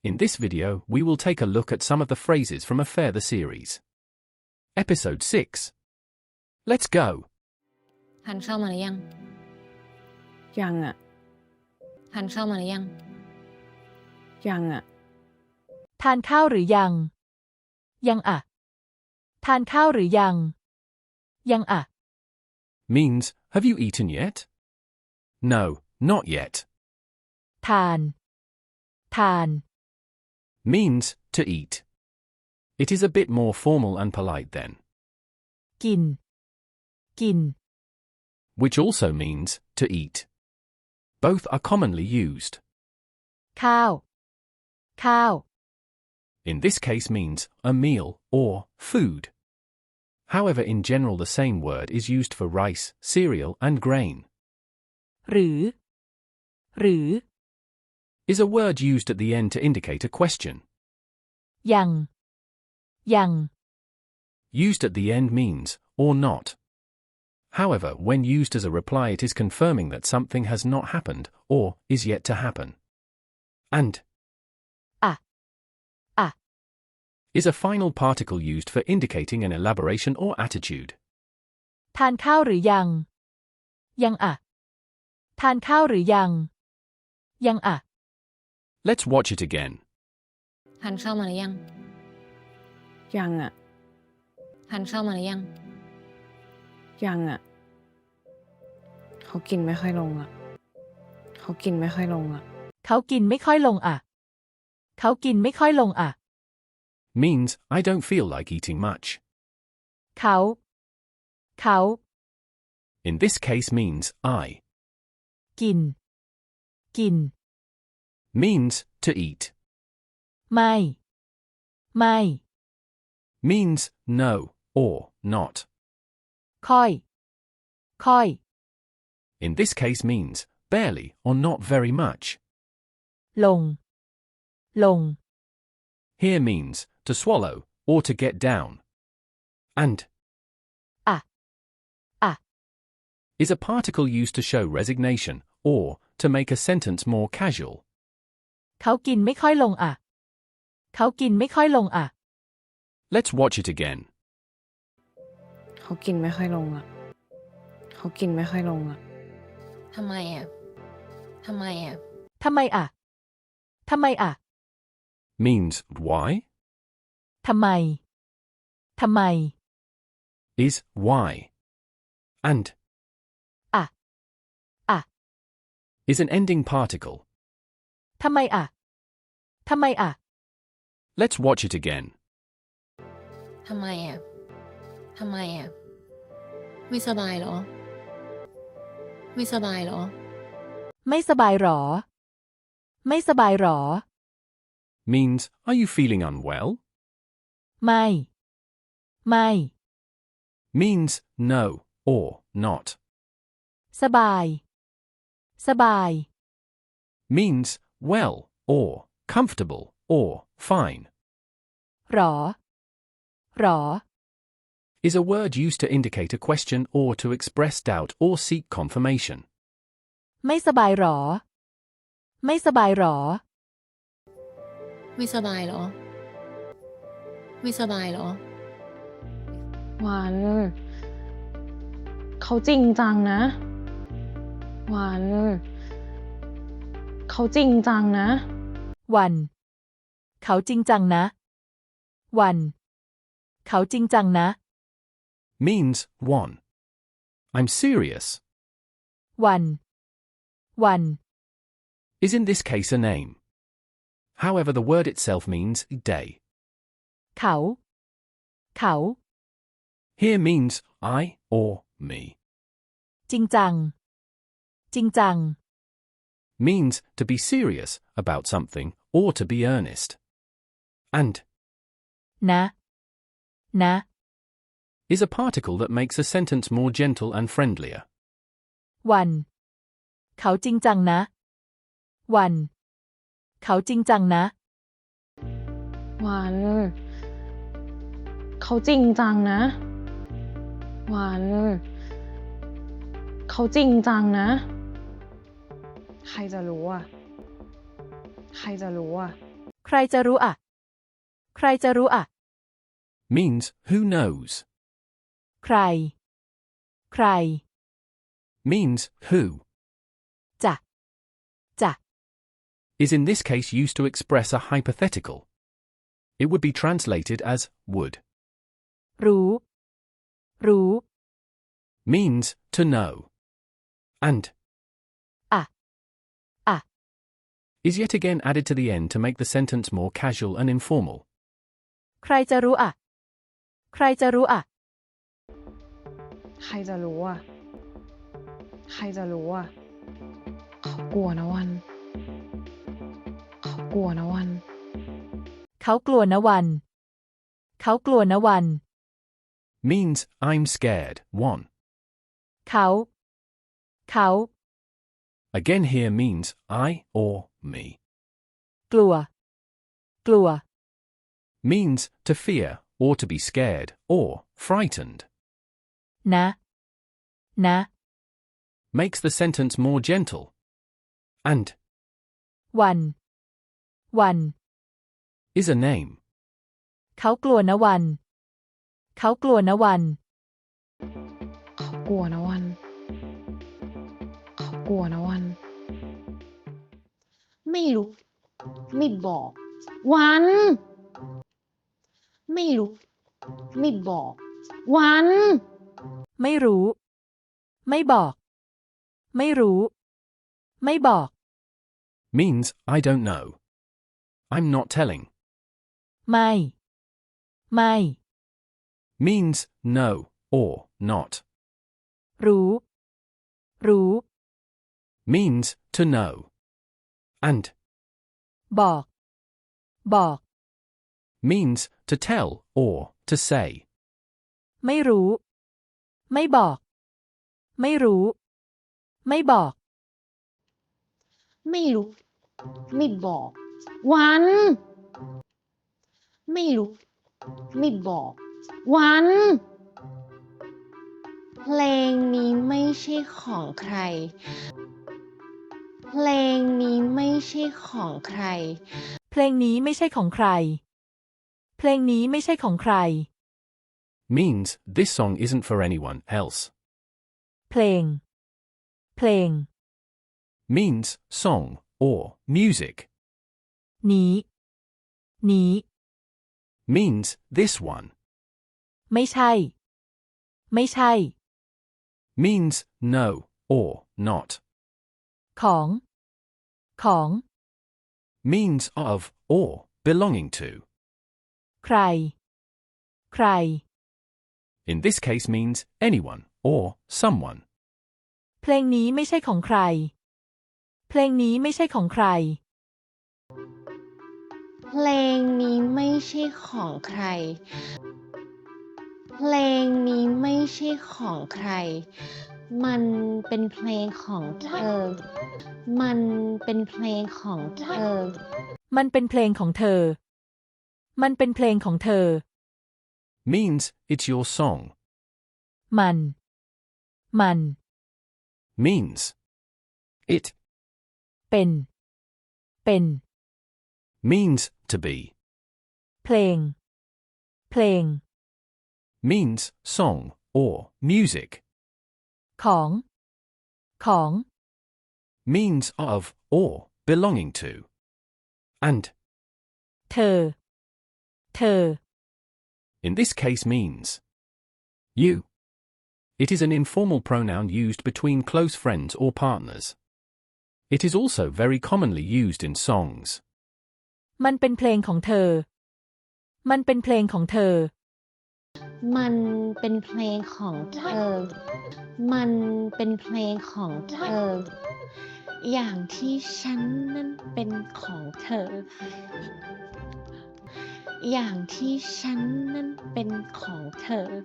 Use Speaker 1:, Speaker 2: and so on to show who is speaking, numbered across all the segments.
Speaker 1: In this video, we will take a look at some of the phrases from Affair the series. Episode 6. Let's go!
Speaker 2: ทานข้าวมาหรือยัง
Speaker 3: ยังอ่ะ
Speaker 2: ทานข้าวมาหรือยัง
Speaker 3: ยังอ่ะ
Speaker 4: ทานข้าวหรือยัง ยังอ่ะ ทานข้าวหรือยัง ยังอ่ะ
Speaker 1: Means, have you eaten yet? No, not yet.
Speaker 4: ทาน ทาน
Speaker 1: Means, to eat. It is a bit more formal and polite then.
Speaker 4: กิน กิน
Speaker 1: Which also means, to eat. Both are commonly used.
Speaker 4: ข้าว ข้าว
Speaker 1: In this case means, a meal, or, food. However, in general the same word is used for rice, cereal and grain.
Speaker 4: หรือ หรือ
Speaker 1: Is a word used at the end to indicate a question.
Speaker 4: ยัง ยัง
Speaker 1: Used at the end means, or not. However, when used as a reply it is confirming that something has not happened, or, is yet to happen. And is a final particle used for indicating an elaboration or attitude.
Speaker 4: ทานข้าวหรือยัง ยังอ่ะ ทานข้าวหรือยัง ยังอ่ะ
Speaker 1: Let's watch it again.
Speaker 2: ทานข้าวมาหรือยัง
Speaker 3: ยังอ่ะ
Speaker 2: ทานข้าวมาหรือยัง
Speaker 3: ยังอ่ะ เขากินไม่ค่อยลงอ่ะ เขากินไม่ค่อยลงอ่ะ
Speaker 4: เขากินไม่ค่อยลงอ่ะ เขากินไม่ค่อยลงอ่ะ
Speaker 1: Means, I don't feel like eating much.
Speaker 4: เขา เขา
Speaker 1: In this case means, I.
Speaker 4: กิน กิน
Speaker 1: Means, to eat.
Speaker 4: ไม่ ไม่
Speaker 1: Means, no, or, not.
Speaker 4: ค่อย ค่อย
Speaker 1: In this case means, barely, or not very much.
Speaker 4: ลง ลง
Speaker 1: Here means, to swallow, or to get down. And is a particle used to show resignation, or, to make a sentence more casual.
Speaker 4: เขากินไม่ค่อยลงอ่ะ เขากินไม่ค่อยลงอ่ะ
Speaker 1: Let's watch it again.
Speaker 3: เขากินไม่ค่อยลงอ่ะ เขากินไม่ค่อยลงอ่ะ
Speaker 2: ทำไมอ่ะ ทำไมอ่ะ
Speaker 4: ทำไมอ่ะ ทำไมอ่ะ
Speaker 1: Means, why?
Speaker 4: ทำไม ทำไม
Speaker 1: Is, why. And is an ending particle.
Speaker 4: ทำไมอ่ะ ทำไมอ่ะ
Speaker 1: Let's watch it again.
Speaker 2: ทำไมอ่ะ ทำไมอ่ะ ไม่สบายเหรอ ไม่สบายเหรอ
Speaker 4: ไม่สบายหรอ ไม่สบายหรอ
Speaker 1: Means, are you feeling unwell?
Speaker 4: ไม่ ไม่
Speaker 1: Means, no, or, not.
Speaker 4: สบาย สบาย
Speaker 1: Means, well, or, comfortable, or, fine.
Speaker 4: หรอ หรอ
Speaker 1: Is a word used to indicate a question or to express doubt or seek confirmation.
Speaker 4: ไม่สบายหรอ ไม่สบายหรอ
Speaker 2: ไม่สบายเหรอ ไม่สบายเหรอ
Speaker 3: วัน เขาจริงจังนะ วัน เขาจริงจังนะ
Speaker 4: วัน เขาจริงจังนะ วัน เขาจริงจังนะ
Speaker 1: Means, one. I'm serious.
Speaker 4: วัน วัน
Speaker 1: Is in this case a name. However, the word itself means day.
Speaker 4: เขา เขา
Speaker 1: Here means I or me.
Speaker 4: จริงจัง จริงจัง
Speaker 1: Means to be serious about something or to be earnest. And
Speaker 4: นะ นะ
Speaker 1: is a particle that makes a sentence more gentle and friendlier.
Speaker 4: วัน เขาจริงจังนะ วัน เขาจริงจังนะ
Speaker 3: วัน เขาจริงจังนะ วัน เขาจริงจังนะ ใครจะรู้อ่ะ ใครจะรู้อ่ะ
Speaker 4: ใครจะรู้อะ ใครจะรู้อะ
Speaker 1: means who knows.
Speaker 4: ใคร ใคร
Speaker 1: Means who.
Speaker 4: จะ จะ
Speaker 1: Is in this case used to express a hypothetical. It would be translated as would.
Speaker 4: รู้ รู้
Speaker 1: Means to know. And
Speaker 4: อะอะ
Speaker 1: is yet again added to the end to make the sentence more casual and informal.
Speaker 4: ใครจะรู้อะ ใครจะรู้อะ
Speaker 3: ใครจะรู้อ่ะ ใครจะรู้อ่ะ เขากลัวนะวัน เขากลัวนะวัน
Speaker 4: เขากลัวนะวัน เขากลัวนะวัน
Speaker 1: Means I'm scared. 1.
Speaker 4: เขา เขา
Speaker 1: Again here means I or me.
Speaker 4: กลัว กลัว
Speaker 1: Means to fear or to be scared or frightened.
Speaker 4: นะ นะ
Speaker 1: Makes the sentence more gentle. And
Speaker 4: วัน วัน
Speaker 1: is a name.
Speaker 4: เขากลัวนะวัน เขากลัวนะวัน
Speaker 3: เขากลัวนะวัน เขากลัวนะวัน ไม่รู้ ไม่บอก วัน ไม่รู้ ไม่บอก วัน
Speaker 4: ไม่รู้ ไม่บอก ไม่รู้ ไม่บอก
Speaker 1: Means I don't know. I'm not telling.
Speaker 4: ไม่ ไม่
Speaker 1: Means no or not.
Speaker 4: รู้ รู้
Speaker 1: Means to know. And
Speaker 4: บอก บอก
Speaker 1: means to tell or to say.
Speaker 4: ไม่รู้ ไม่บอก ไม่รู้ ไม่บอก
Speaker 3: ไม่รู้ ไม่บอก วัน ไม่รู้ ไม่บอก วัน เพลงนี้ไม่ใช่ของใคร เพลงนี้ไม่ใช่ของใคร
Speaker 4: เพลงนี้ไม่ใช่ของใคร เพลงนี้ไม่ใช่ของใคร
Speaker 1: Means this song isn't for anyone else.
Speaker 4: เพลง เพลง
Speaker 1: Means song or music.
Speaker 4: นี้ นี้
Speaker 1: Means this one.
Speaker 4: ไม่ใช่ ไม่ใช่
Speaker 1: Means no or not.
Speaker 4: ของ ของ
Speaker 1: Means of or belonging to.
Speaker 4: ใคร ใคร
Speaker 1: In this case means anyone or someone.
Speaker 4: เพลงนี้ไม่ใช่ของใคร เพลงนี้ไม่ใช่ของใคร
Speaker 3: เพลงนี้ไม่ใช่ของใคร เพลงนี้ไม่ใช่ของใคร มันเป็นเพลงของเธอ มันเป็นเพลงของเธอ
Speaker 4: มันเป็นเพลงของเธอ มันเป็นเพลงของเธอ
Speaker 1: Means it's your song.
Speaker 4: มัน มัน
Speaker 1: Means it.
Speaker 4: เป็น เป็น
Speaker 1: Means to be.
Speaker 4: เพลง เพลง
Speaker 1: Means song or music.
Speaker 4: ของ ของ
Speaker 1: Means of or belonging to. And
Speaker 4: เธอ เธอ
Speaker 1: in this case means you. It is an informal pronoun used between close friends or partners. It is also very commonly used in songs.
Speaker 4: มันเป็นเพลงของเธอ มันเป็นเพลงของเธอ
Speaker 3: มันเป็นเพลงของเธอ มันเป็นเพลงของเธอ อย่างที่ฉันนั้นเป็นของเธอ อย่างที่ฉันนั้นเป็นของเธอ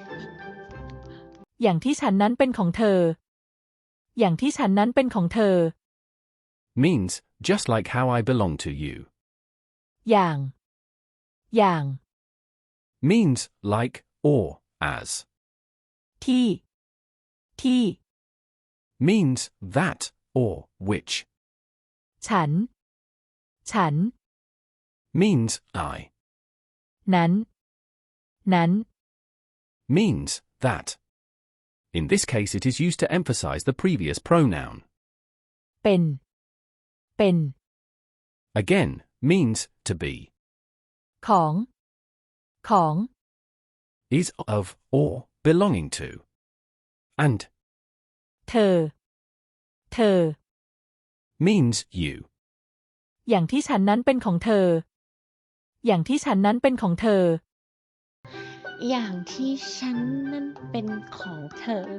Speaker 4: อย่างที่ฉันนั้นเป็นของเธอ อย่างที่ฉันนั้นเป็นของเธอ
Speaker 1: Means just like how I belong to you.
Speaker 4: อย่าง อย่าง
Speaker 1: Means like or as.
Speaker 4: ที่ ที่
Speaker 1: Means that or which.
Speaker 4: ฉัน ฉัน
Speaker 1: means I,
Speaker 4: นั้น นั้น
Speaker 1: means that. In this case, it is used to emphasize the previous pronoun.
Speaker 4: เป็น เป็น
Speaker 1: Again, means to be,
Speaker 4: ของ ของ
Speaker 1: is of or belonging to. And
Speaker 4: เธอ เธอ
Speaker 1: means you.
Speaker 4: อย่างที่ฉันนั้นเป็นของเธอ อย่างที่ฉันนั้นเป็นของเธอ
Speaker 3: อย่างที่ฉันนั้นเป็นของเธอ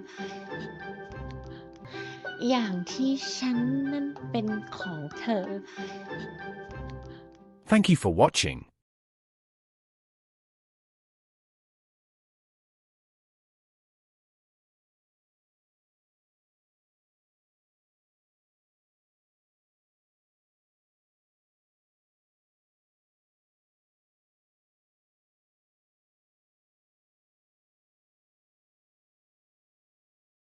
Speaker 3: อย่างที่ฉันนั้นเป็นของเธอ
Speaker 1: Thank you for watching.